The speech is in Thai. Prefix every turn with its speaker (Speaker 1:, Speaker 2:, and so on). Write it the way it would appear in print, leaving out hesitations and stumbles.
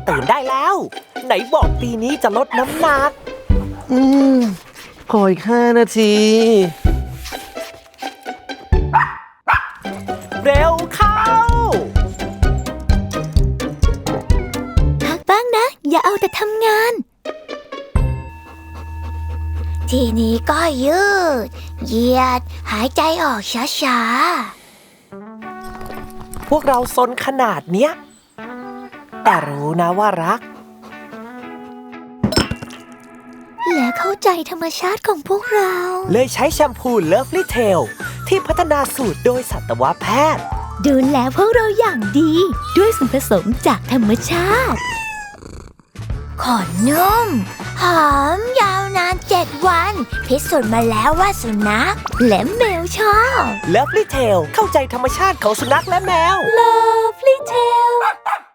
Speaker 1: ตื่นได้แล้วไหนบอกปีนี้จะลดน้ำหนัก
Speaker 2: ขออีก5 นาที
Speaker 1: เร็วเข้า
Speaker 3: พักบ้างนะอย่าเอาแต่ทำงานทีนี้ก็ยืดเหยียดหายใจออกช้า
Speaker 1: พวกเราซนขนาดเนี้ยแต่รู้นะว่ารัก
Speaker 3: และเข้าใจธรรมชาติของพวกเรา
Speaker 1: เลยใช้แชมพู Lovely Tail ที่พัฒนาสูตรโดยสัตวแพทย์
Speaker 3: ดูแลพวกเราอย่างดีด้วยส่วนผสมจากธรรมชาติขนนุ่มหอมยาวนาน7 วันพิสูจน์มาแล้วว่าสุนัขและแมวชอบ
Speaker 1: Lovely Tail เข้าใจธรรมชาติของสุนัขและแมว
Speaker 3: Lovely Tail